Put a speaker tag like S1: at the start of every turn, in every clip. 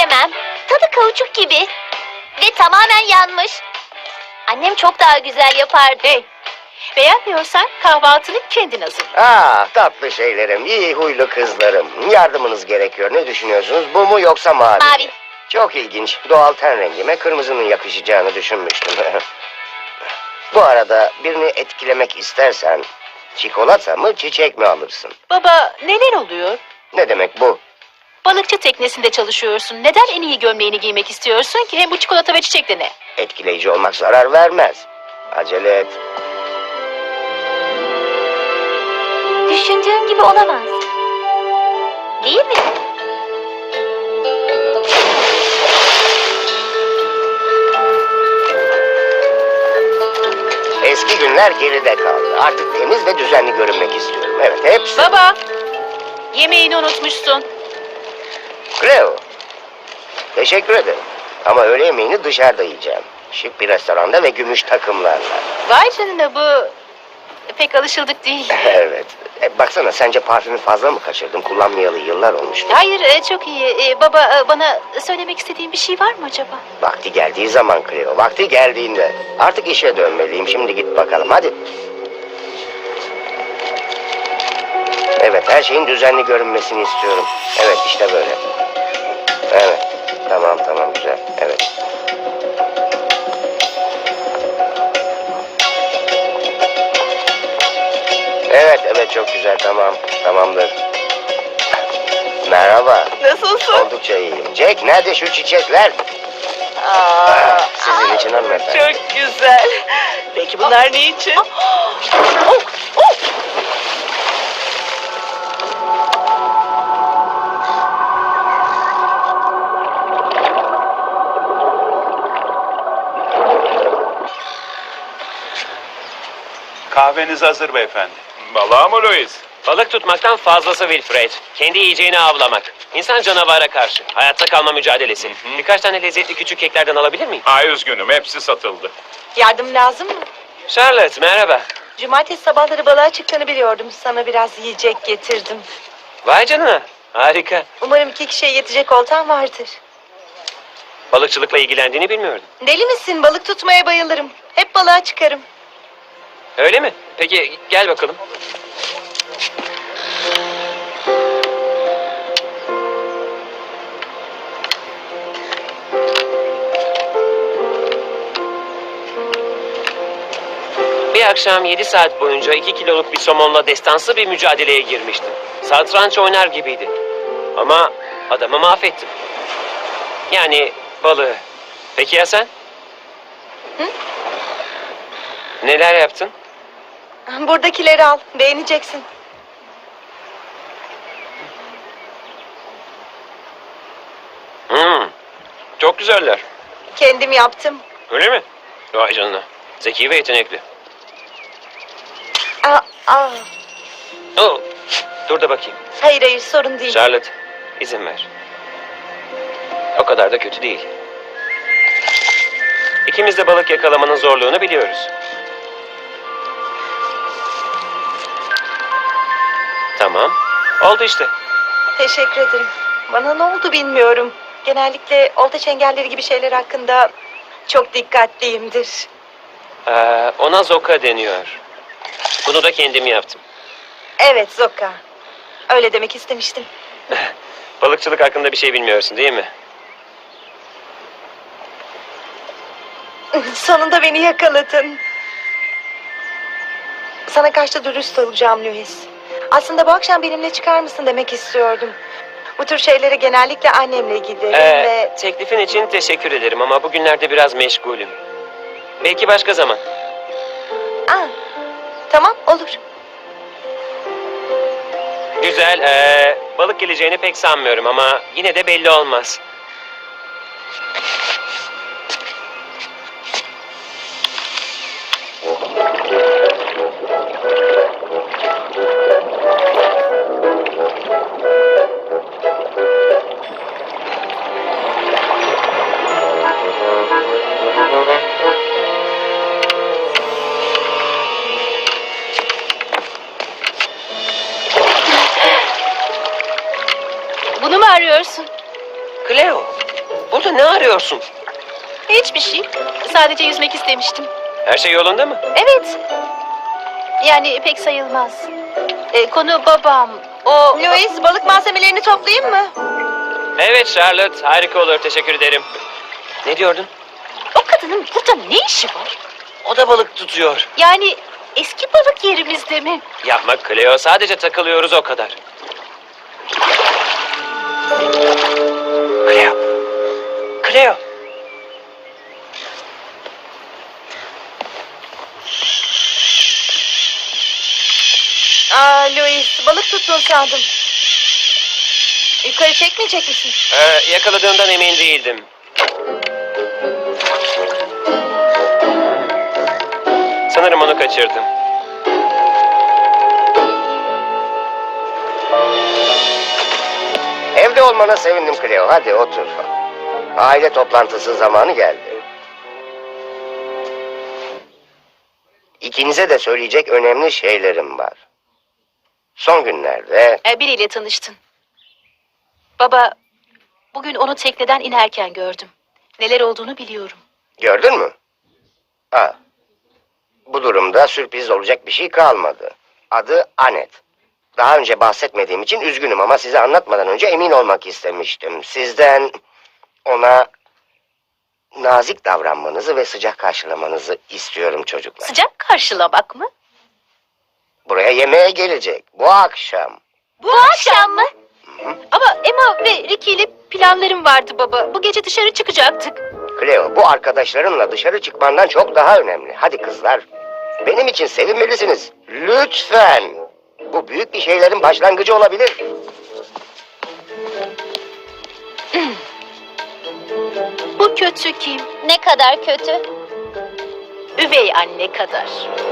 S1: yiyemem. Tadı kauçuk gibi. Ve tamamen yanmış. Annem çok daha güzel yapardı.
S2: Hey, beğenmiyorsan kahvaltını kendin hazırla.
S3: Ah tatlı şeylerim, iyi huylu kızlarım. Yardımınız gerekiyor. Ne düşünüyorsunuz? Bu mu yoksa mavi? mi?
S1: Mavi.
S3: Çok ilginç. Doğal ten rengime kırmızının yakışacağını düşünmüştüm. Bu arada birini etkilemek istersen çikolata mı çiçek mi alırsın?
S2: Baba, neler oluyor?
S3: Ne demek bu?
S2: Balıkçı teknesinde çalışıyorsun. Neden en iyi gömleğini giymek istiyorsun ki? Hem bu çikolata ve çiçek de ne?
S3: Etkileyici olmak zarar vermez. Acele et.
S1: Düşündüğün gibi olamaz. Değil mi?
S3: Eski günler geride kaldı. Artık temiz ve düzenli görünmek istiyorum. Evet, hepsi.
S2: Baba, yemeğini unutmuşsun.
S3: Cleo. Teşekkür ederim. Ama öğle yemeğini dışarıda yiyeceğim. Şık bir restoranda ve gümüş takımlarla.
S2: Vay canına, bu pek alışıldık değil.
S3: Evet. Baksana, sence parfümü fazla mı kaçırdım? Kullanmayalı yıllar olmuştu.
S2: Hayır, çok iyi. Baba, bana söylemek istediğin bir şey var mı acaba?
S3: Vakti geldiği zaman Cleo. Vakti geldiğinde. Artık işe dönmeliyim. Şimdi git bakalım. Hadi. Evet, her şeyin düzenli görünmesini istiyorum. Evet, işte böyle. Evet. Tamam, güzel. Evet. Evet, çok güzel. Tamamdır. Merhaba.
S2: Nasılsın?
S3: Oldukça iyiyim. Jack, nerede şu çiçekler? Sizin için hanımefendi.
S2: Çok güzel. Peki bunlar ne için?
S4: Kahveniz hazır beyefendi.
S5: Balığa mı Louis?
S6: Balık tutmaktan fazlası Wilfred. Kendi yiyeceğini avlamak. İnsan canavara karşı. Hayatta kalma mücadelesi. Birkaç tane lezzetli küçük keklerden alabilir miyim?
S5: Ay üzgünüm, hepsi satıldı.
S7: Yardım lazım mı?
S6: Charlotte, merhaba.
S7: Cumartesi sabahları balığa çıktığını biliyordum. Sana biraz yiyecek getirdim.
S6: Vay canına. Harika.
S7: Umarım 2 kişiye yetecek oltan vardır.
S6: Balıkçılıkla ilgilendiğini bilmiyordum.
S7: Deli misin? Balık tutmaya bayılırım. Hep balığa çıkarım.
S6: Öyle mi? Peki gel bakalım. Bir akşam 7 saat boyunca 2 kiloluk bir somonla destansı bir mücadeleye girmiştim. Satranç oynar gibiydi. Ama adamı mahvettim. Yani balığı. Peki ya sen?
S7: Hı?
S6: Neler yaptın?
S7: Buradakileri al. Beğeneceksin.
S6: Çok güzeller.
S7: Kendim yaptım.
S6: Öyle mi? Vay canına. Zeki ve yetenekli.
S7: Aa.
S6: Oh, dur da bakayım.
S7: Hayır sorun değil.
S6: Charlotte, izin ver. O kadar da kötü değil. İkimiz de balık yakalamanın zorluğunu biliyoruz. Tamam. Oldu işte.
S7: Teşekkür ederim. Bana ne oldu bilmiyorum. Genellikle olta çengelleri gibi şeyler hakkında çok dikkatliyimdir.
S6: Ona zoka deniyor. Bunu da kendim yaptım.
S7: Evet Zoka. Öyle demek istemiştim.
S6: Balıkçılık hakkında bir şey bilmiyorsun değil mi?
S7: Sonunda beni yakaladın. Sana karşı dürüst olacağım Louis. Aslında bu akşam benimle çıkar mısın demek istiyordum. Bu tür şeylere genellikle annemle giderim ve...
S6: Teklifin için teşekkür ederim ama bugünlerde biraz meşgulüm. Belki başka zaman.
S7: Tamam olur.
S6: Güzel. Balık geleceğini pek sanmıyorum ama yine de belli olmaz.
S2: Bunu mu arıyorsun?
S6: Cleo, burada ne arıyorsun?
S2: Hiçbir şey. Sadece yüzmek istemiştim.
S6: Her şey yolunda mı?
S2: Evet. Yani pek sayılmaz. Konu babam. O...
S7: Louis, balık malzemelerini toplayayım mı?
S6: Evet Charlotte, harika olur. Teşekkür ederim. Ne diyordun?
S2: O kadının burada ne işi var?
S6: O da balık tutuyor.
S2: Yani eski balık yerimizde mi?
S6: Yapma Cleo, sadece takılıyoruz o kadar. Cleo. Cleo.
S7: Louis, balık tuttun sandım. Yukarı çekmeyecek misin?
S6: Yakaladığımdan emin değildim. Sanırım onu kaçırdım.
S3: Evde olmana sevindim Cleo. Hadi otur. Aile toplantısı zamanı geldi. İkinize de söyleyecek önemli şeylerim var. Son günlerde
S2: Biriyle tanıştın. Baba, bugün onu tekneden inerken gördüm. Neler olduğunu biliyorum.
S3: gördün mü? Ha. Bu durumda sürpriz olacak bir şey kalmadı. Adı Anet. Daha önce bahsetmediğim için üzgünüm ama size anlatmadan önce emin olmak istemiştim. Sizden ona nazik davranmanızı ve sıcak karşılamanızı istiyorum çocuklar.
S2: Sıcak karşılamak mı?
S3: Buraya yemeğe gelecek bu akşam.
S1: Bu akşam mı?
S2: Ama Emma ve Ricky ile planlarım vardı baba. Bu gece dışarı çıkacaktık.
S3: Cleo, bu arkadaşlarınla dışarı çıkmandan çok daha önemli. Hadi kızlar, benim için sevinmelisiniz. Lütfen. Bu büyük bir şeylerin başlangıcı olabilir.
S2: Bu kötü kim?
S1: Ne kadar kötü.
S2: Üvey anne kadar.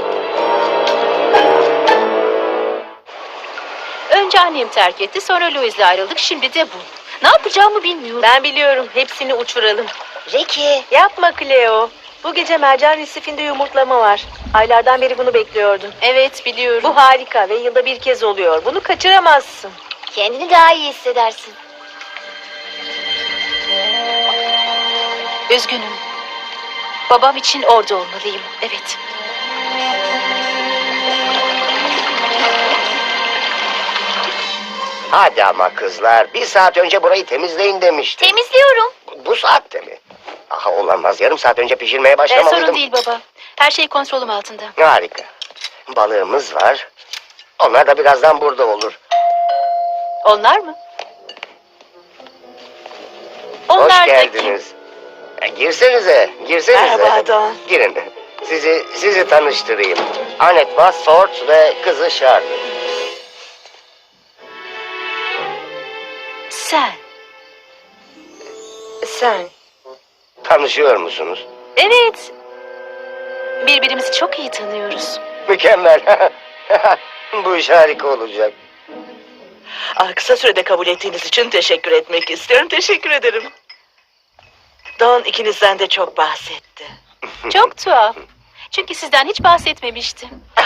S2: Önce annem terk etti, sonra Louis'le ayrıldık, şimdi de bu. Ne yapacağımı bilmiyorum.
S7: Ben biliyorum. Hepsini uçuralım.
S1: Ricky.
S7: Yapma Cleo. Bu gece mercan resifinde yumurtlama var. Aylardan beri bunu bekliyordum.
S2: Evet, biliyorum.
S7: Bu harika ve yılda bir kez oluyor. Bunu kaçıramazsın.
S1: Kendini daha iyi hissedersin.
S2: Üzgünüm. Babam için orada olmalıyım, evet.
S3: Hadi ama kızlar, bir saat önce burayı temizleyin demiştim.
S1: Temizliyorum.
S3: Bu saatte mi? Aha olamaz, yarım saat önce pişirmeye başlamalıydım.
S2: Sorun değil baba. Her şey kontrolüm altında.
S3: Harika. Balığımız var. Onlar da birazdan burada olur.
S2: Onlar mı?
S3: Hoş
S2: Onlar da
S3: geldiniz. Girsenize, girsenize.
S7: Merhaba Don.
S3: Girin. Sizi tanıştırayım. Anet Bassort ve kızı Charlotte.
S2: Sen.
S7: Sen.
S3: Tanışıyor musunuz?
S2: Evet. Birbirimizi çok iyi tanıyoruz.
S3: Mükemmel. Bu iş harika olacak.
S4: Kısa sürede kabul ettiğiniz için teşekkür etmek istiyorum. Teşekkür ederim. Don ikinizden de çok bahsetti.
S2: Çok tuhaf. Çünkü sizden hiç bahsetmemiştim.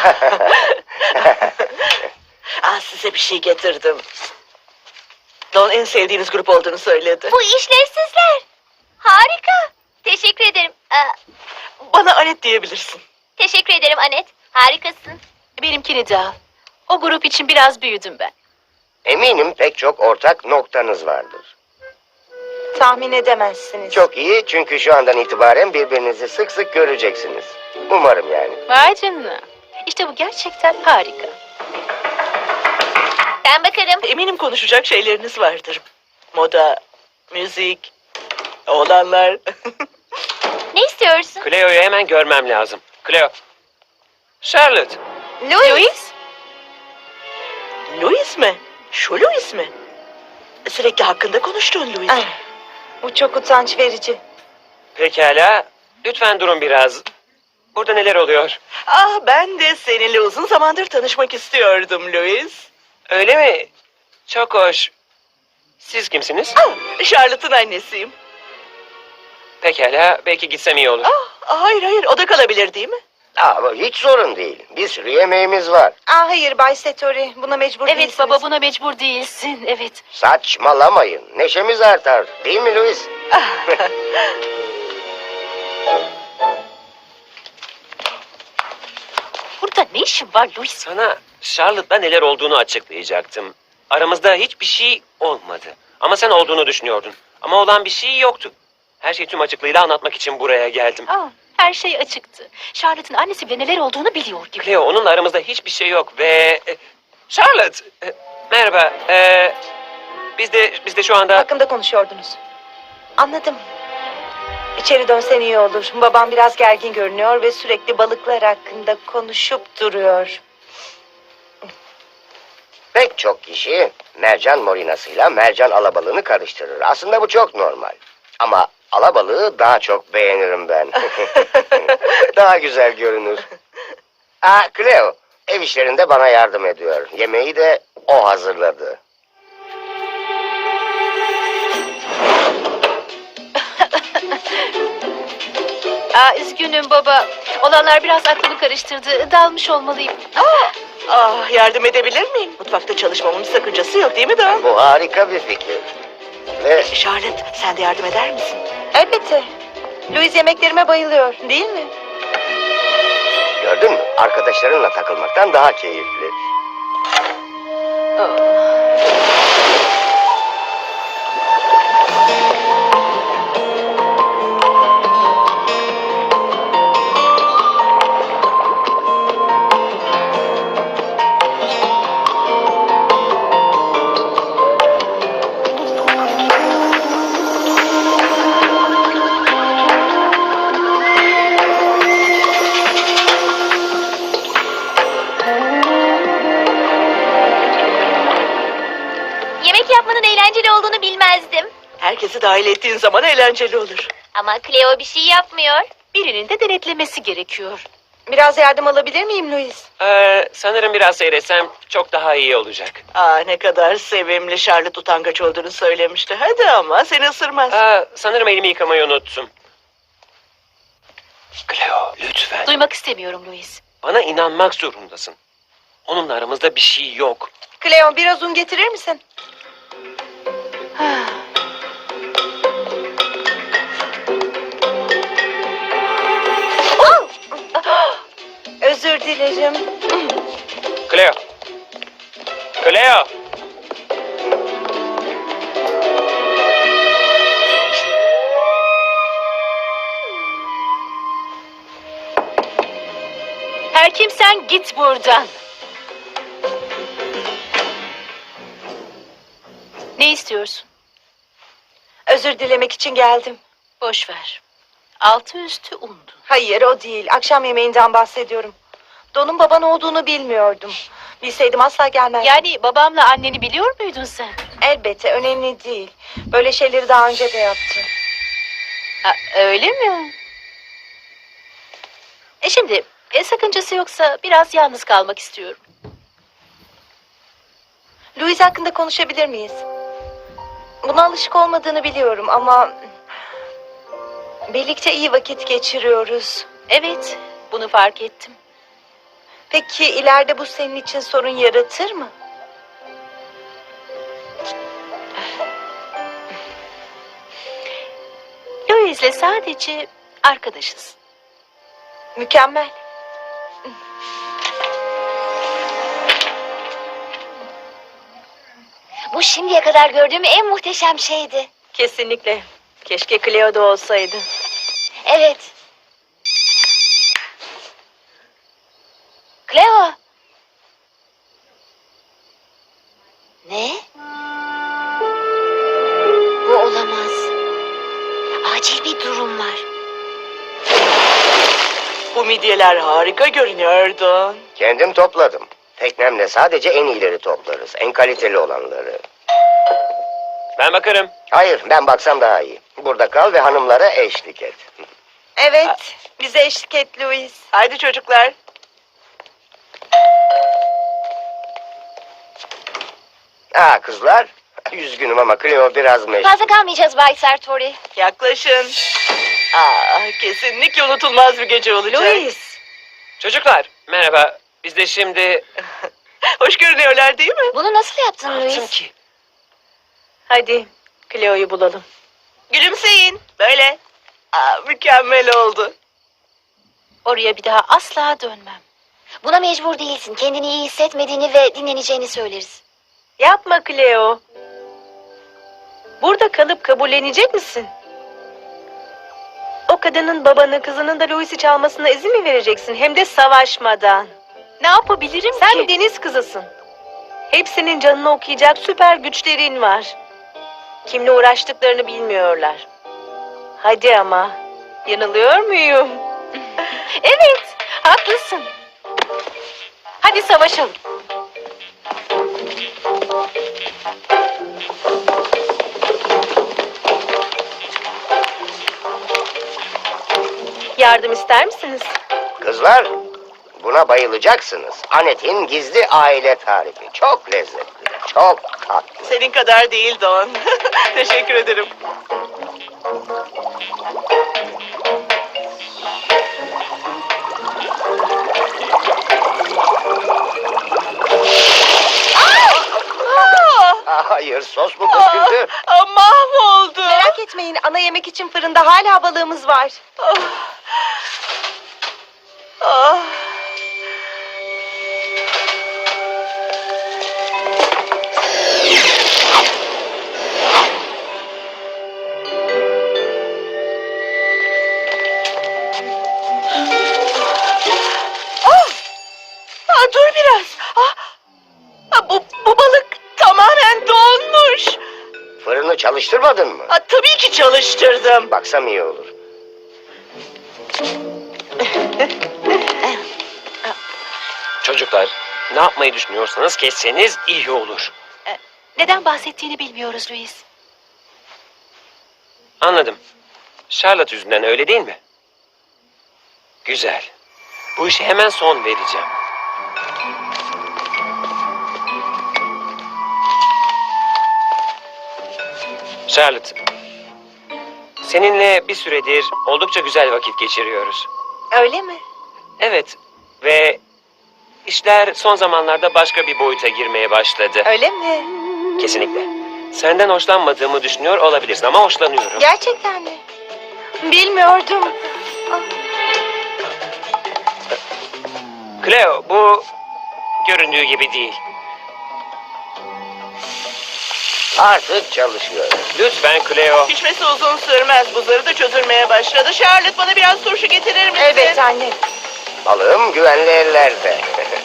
S4: Size bir şey getirdim. Don en sevdiğiniz grup olduğunu söyledi.
S1: Bu işlevsizler. Harika. Teşekkür ederim.
S4: Bana Anet diyebilirsin.
S1: Teşekkür ederim Anet. Harikasın.
S2: Benimkini de al. O grup için biraz büyüdüm ben.
S3: Eminim pek çok ortak noktanız vardır.
S7: Tahmin edemezsiniz.
S3: Çok iyi çünkü şu andan itibaren birbirinizi sık sık göreceksiniz. Umarım yani.
S2: Vay canına. İşte bu gerçekten harika.
S1: Ben bakarım.
S4: Eminim konuşacak şeyleriniz vardır. Moda, müzik, oğlanlar.
S1: Ne istiyorsun?
S6: Cleo'yu hemen görmem lazım. Cleo. Charlotte.
S2: Louis?
S4: Louis mi? Şu Louis mi? Sürekli hakkında konuştuğun Louis.
S7: Ah, bu çok utanç verici.
S6: Pekala. Lütfen durun biraz. Burada neler oluyor?
S4: Ben de seninle uzun zamandır tanışmak istiyordum Louis.
S6: Öyle mi? Çok hoş. Siz kimsiniz?
S4: Charlotte'ın annesiyim.
S6: Pekala. Belki gitsem iyi olur.
S4: Hayır, o da kalabilir değil mi?
S3: Hiç sorun değil. Bir sürü yemeğimiz var.
S7: Hayır Bay Satori, buna mecbur
S2: Evet
S7: değilsiniz.
S2: baba, buna mecbur değilsin. Evet.
S3: Saçmalamayın. Neşemiz artar. Değil mi Louis?
S2: Burada ne işin var Louis?
S6: Sana Charlotte'da neler olduğunu açıklayacaktım. Aramızda hiçbir şey olmadı. Ama sen olduğunu düşünüyordun. Ama olan bir şey yoktu. Her şeyi tüm açıklığıyla anlatmak için buraya geldim.
S2: Her şey açıktı. Charlotte'ın annesi bile neler olduğunu biliyor gibi.
S6: Cleo, onunla aramızda hiçbir şey yok ve... Charlotte! Merhaba. Biz de şu anda...
S7: Hakkında konuşuyordunuz. Anladım. İçeri dönsen iyi olur. Babam biraz gergin görünüyor ve sürekli balıklar hakkında konuşup duruyor.
S3: Pek çok kişi mercan morinasıyla mercan alabalığını karıştırır. Aslında bu çok normal. Ama alabalığı daha çok beğenirim ben. Daha güzel görünür. Cleo, ev işlerinde bana yardım ediyor. Yemeği de o hazırladı.
S2: Üzgünüm baba. Olanlar biraz aklımı karıştırdı. Dalmış olmalıyım.
S4: Yardım edebilir miyim? Mutfakta çalışmamın bir sakıncası yok değil mi Dawn?
S3: Bu harika bir fikir. Ve
S4: Charlotte, sen de yardım eder misin?
S7: Elbette. Louis yemeklerime bayılıyor, değil mi?
S3: gördün mü? Arkadaşlarınla takılmaktan daha keyifli.
S1: Yemek yapmanın eğlenceli olduğunu bilmezdim.
S4: Herkesi dahil ettiğin zaman eğlenceli olur.
S1: Ama Cleo bir şey yapmıyor.
S2: Birinin de denetlemesi gerekiyor.
S7: Biraz yardım alabilir miyim Louis?
S6: Sanırım biraz seyretsem çok daha iyi olacak.
S4: Ne kadar sevimli. Charlotte utangaç olduğunu söylemişti. Hadi ama seni ısırmaz.
S6: Sanırım elimi yıkamayı unuttum. Cleo, lütfen.
S2: Duymak istemiyorum Louis.
S6: Bana inanmak zorundasın. Onunla aramızda bir şey yok.
S7: Cleo biraz un getirir misin? Özür dilerim.
S6: Cleo. Cleo.
S2: Her kimsen git buradan. Ne istiyorsun?
S7: Özür dilemek için geldim.
S2: Boş ver. Altı üstü undu.
S7: Hayır o değil. Akşam yemeğinden bahsediyorum. Don'un baban olduğunu bilmiyordum. Bilseydim asla gelmezdim.
S2: Yani babamla anneni biliyor muydun sen?
S7: Elbette önemli değil. Böyle şeyleri daha önce de yaptı.
S2: Öyle mi? Şimdi sakıncası yoksa biraz yalnız kalmak istiyorum.
S7: Louis hakkında konuşabilir miyiz? Buna alışık olmadığını biliyorum ama... birlikte iyi vakit geçiriyoruz.
S2: Evet, bunu fark ettim.
S7: Peki ileride bu senin için sorun yaratır mı?
S2: Louis'le sadece arkadaşız.
S7: Mükemmel.
S1: Bu şimdiye kadar gördüğüm en muhteşem şeydi.
S7: Kesinlikle. Keşke Cleo da olsaydı.
S1: Evet. Cleo. Ne? Bu olamaz. Acil bir durum var.
S4: Bu midyeler harika görünüyordu.
S3: Kendim topladım. Teknemle sadece en iyileri toplarız. En kaliteli olanları.
S6: Ben bakarım.
S3: Hayır, ben baksam daha iyi. Burada kal ve hanımlara eşlik et.
S7: Evet. Bize eşlik et Louis.
S4: Haydi çocuklar.
S3: Kızlar. Üzgünüm ama Cleo biraz meşgul.
S1: Fazla kalmayacağız Bay Sartori.
S4: Yaklaşın. Kesinlikle unutulmaz bir gece olacak.
S7: Louis.
S6: Çocuklar merhaba. Biz de şimdi...
S4: Hoş görünüyorlar değil mi?
S1: Bunu nasıl yaptın
S6: Ne yaptım
S1: Louis?
S6: ki?
S7: Hadi Cleo'yu bulalım.
S4: Gülümseyin. Böyle. Mükemmel oldu.
S2: Oraya bir daha asla dönmem.
S1: Buna mecbur değilsin. Kendini iyi hissetmediğini ve dinleneceğini söyleriz.
S7: Yapma Cleo. Burada kalıp kabullenecek misin? O kadının babanı, kızının da Louis'i çalmasına izin mi vereceksin? Hem de savaşmadan.
S2: Ne yapabilirim
S7: Sen
S2: ki?
S7: bir deniz kızısın. Hepsinin canını okuyacak süper güçlerin var. Kimle uğraştıklarını bilmiyorlar. Hadi ama. Yanılıyor muyum?
S2: Evet, haklısın. Hadi savaşalım.
S7: Yardım ister misiniz?
S3: Kızlar, buna bayılacaksınız. Anet'in gizli aile tarifi. Çok lezzetli, çok tatlı.
S4: Senin kadar değil Don. Teşekkür ederim.
S3: Hayır, sos mu döküldü?
S4: Mahvoldu.
S7: Merak etmeyin, ana yemek için fırında hala balığımız var.
S4: Ah. Dur biraz. Bu balık tamamen donmuş.
S3: Fırını çalıştırmadın mı?
S4: Tabii ki çalıştırdım.
S3: Baksam iyi olur.
S6: Çocuklar ne yapmayı düşünüyorsanız kesseniz iyi olur.
S2: Neden bahsettiğini bilmiyoruz Louis.
S6: Anladım. Charlotte yüzünden öyle değil mi? Güzel. Bu işe hemen son vereceğim. Charlotte, seninle bir süredir oldukça güzel vakit geçiriyoruz.
S7: Öyle mi?
S6: Evet ve işler son zamanlarda başka bir boyuta girmeye başladı.
S7: Öyle mi?
S6: Kesinlikle. Senden hoşlanmadığımı düşünüyor olabilirsin ama hoşlanıyorum.
S7: Gerçekten mi? Bilmiyordum.
S6: Cleo, bu göründüğü gibi değil.
S3: Artık çalışıyor.
S6: Lütfen Cleo.
S4: Pişmesi uzun sürmez. Buzları da çözülmeye başladı. Charlotte bana biraz turşu getirir misin?
S7: Evet anne.
S3: Balığım güvenli ellerde.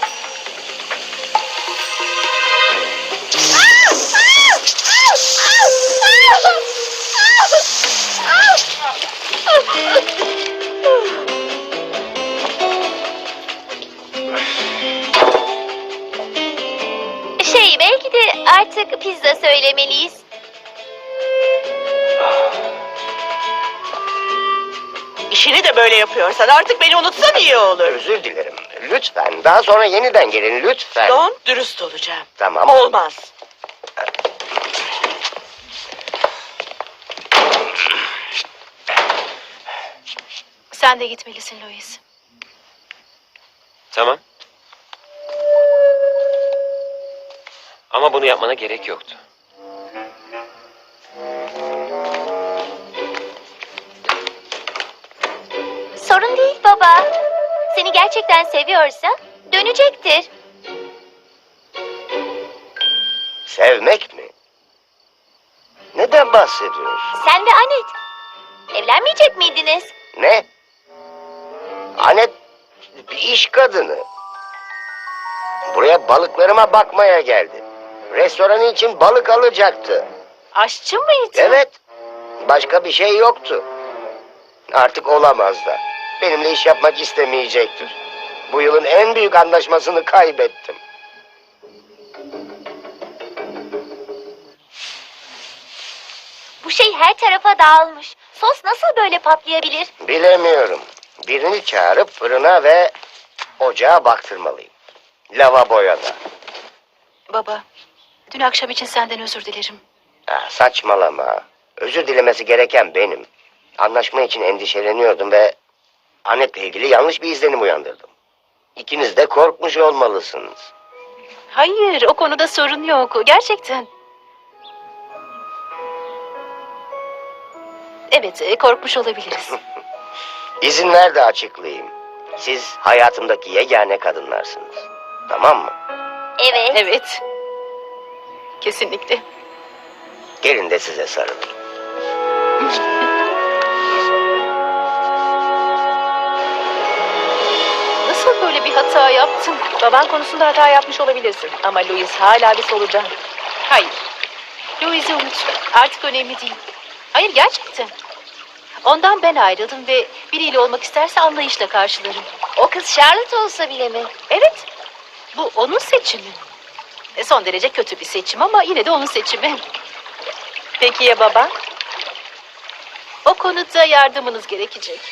S1: Belki de artık pizza söylemeliyiz.
S4: İşini de böyle yapıyorsan artık beni unutsan iyi olur.
S3: Özür dilerim. Lütfen. Daha sonra yeniden gelin lütfen.
S4: Don, dürüst olacağım.
S3: Tamam.
S4: Olmaz.
S2: Sen de gitmelisin Louis.
S6: Tamam. Ama bunu yapmana gerek yoktu.
S1: Sorun değil baba. Seni gerçekten seviyorsa dönecektir.
S3: Sevmek mi? Neden bahsediyorsun?
S1: Sen ve Anet. Evlenmeyecek miydiniz?
S3: Ne? Anet bir iş kadını. Buraya balıklarıma bakmaya geldi. Restoranı için balık alacaktı.
S2: Aşçı mıydı?
S3: Evet. Başka bir şey yoktu. Artık olamaz da. Benimle iş yapmak istemeyecektir. Bu yılın en büyük anlaşmasını kaybettim.
S1: Bu şey her tarafa dağılmış. Sos nasıl böyle patlayabilir?
S3: Bilemiyorum. Birini çağırıp fırına ve ocağa baktırmalıyım. Lavaboya da.
S2: Baba, dün akşam için senden özür dilerim.
S3: Saçmalama. Özür dilemesi gereken benim. Anlaşma için endişeleniyordum ve Anet'le ilgili yanlış bir izlenim uyandırdım. İkiniz de korkmuş olmalısınız.
S2: Hayır, o konuda sorun yok. Gerçekten. Evet, korkmuş olabiliriz.
S3: İzin ver de açıklayayım. Siz hayatımdaki yegane kadınlarsınız. Tamam mı?
S1: Evet.
S2: Evet. Kesinlikle.
S3: Gelin de size sarılayım.
S2: Nasıl böyle bir hata yaptın?
S7: Baban konusunda hata yapmış olabilirsin. Ama Louis hala bir solucan.
S2: Hayır. Louise'i unut. Artık önemli değil. Hayır, gerçekten. Ondan ben ayrıldım ve biriyle olmak isterse anlayışla karşılarım.
S1: O kız Charlotte olsa bile mi?
S2: Evet. Bu onun seçimi. Son derece kötü bir seçim ama yine de onun seçimi.
S7: Peki ya baban?
S2: O konuda yardımınız gerekecek.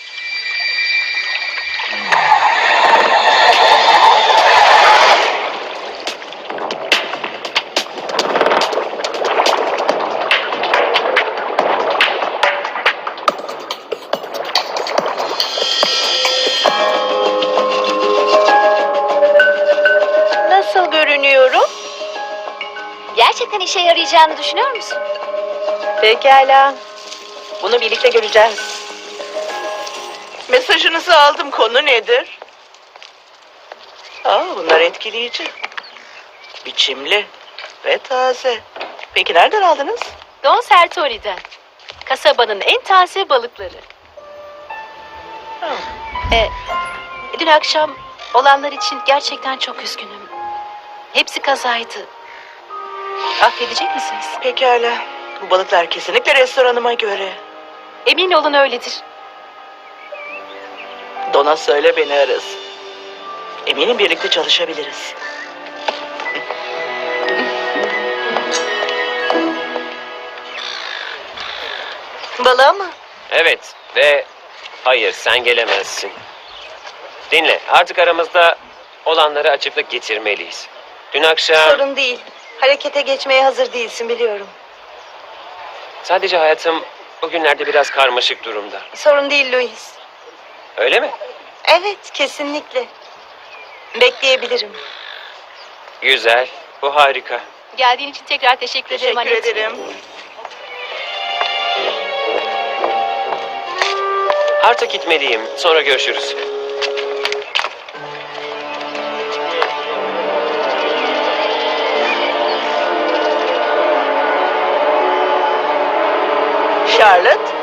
S7: Nasıl görünüyorum?
S1: Gerçekten işe yarayacağını düşünüyor musun?
S7: Pekala. Bunu birlikte göreceğiz.
S4: Mesajınızı aldım. Konu nedir? Bunlar etkileyici. Biçimli ve taze. Peki nereden aldınız?
S2: Don Sertori'den. Kasabanın en taze balıkları.
S4: Ha,
S2: Dün akşam olanlar için gerçekten çok üzgünüm. Hepsi kazaydı. Affedecek misiniz?
S4: pekala. Bu balıklar kesinlikle restoranıma göre.
S2: Emin olun öyledir.
S4: Dona söyle beni arasın. Eminim birlikte çalışabiliriz.
S7: Balığa mı?
S6: Evet ve hayır sen gelemezsin. Dinle artık aramızda olanları açıklık getirmeliyiz. Dün akşam
S7: Sorun değil. Harekete geçmeye hazır değilsin biliyorum.
S6: sadece hayatım bugünlerde biraz karmaşık durumda.
S7: Sorun değil Louis.
S6: Öyle mi?
S7: Evet, kesinlikle. Bekleyebilirim.
S6: Güzel. Bu harika.
S2: Geldiğin için tekrar teşekkür ederim
S4: Teşekkür
S2: Annette.
S4: ederim.
S6: Artık gitmeliyim. Sonra görüşürüz.
S4: Charlotte,